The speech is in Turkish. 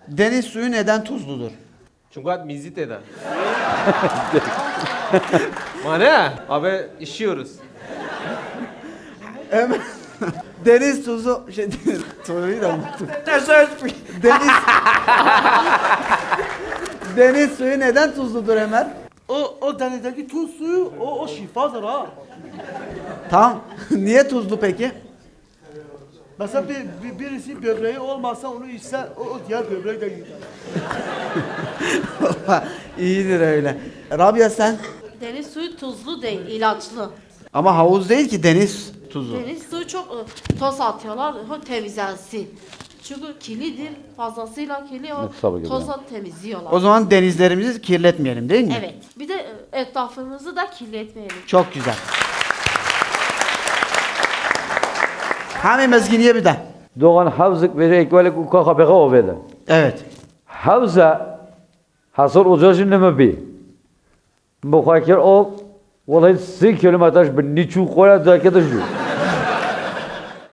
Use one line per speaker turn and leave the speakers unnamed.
Deniz suyu neden tuzludur?
Çünkü at mizit eder. Mane? Abi işiyoruz.
Ömer, deniz tuzu soruyu da unuttum. Deniz Deniz suyu neden tuzludur Ömer?
O denizdeki tuz suyu o şifadır ha.
Tamam. Niye tuzlu peki?
Mesela birisi böbreği olmazsa onu içse o diğer böbrek de gider.
İyidir öyle. Rabia sen?
Deniz suyu tuzlu değil, ilaçlı.
Ama havuz değil ki deniz tuzu.
Deniz suyu çok toz atıyorlar, o temizlensin. Çünkü kirlidir, fazlasıyla kirli, o
Tabii ki
tozla temizliyorlar.
O zaman denizlerimizi kirletmeyelim değil mi?
Evet, bir de etrafımızı da kirletmeyelim.
Çok güzel. Hami mezginiye bir de.
Doğan havzık ve ekvelik uka beka ovede.
Evet.
Havza hasır ucajın neme bi. Mukhakir o vallahi 3 kilometre bir niçu koya da kadar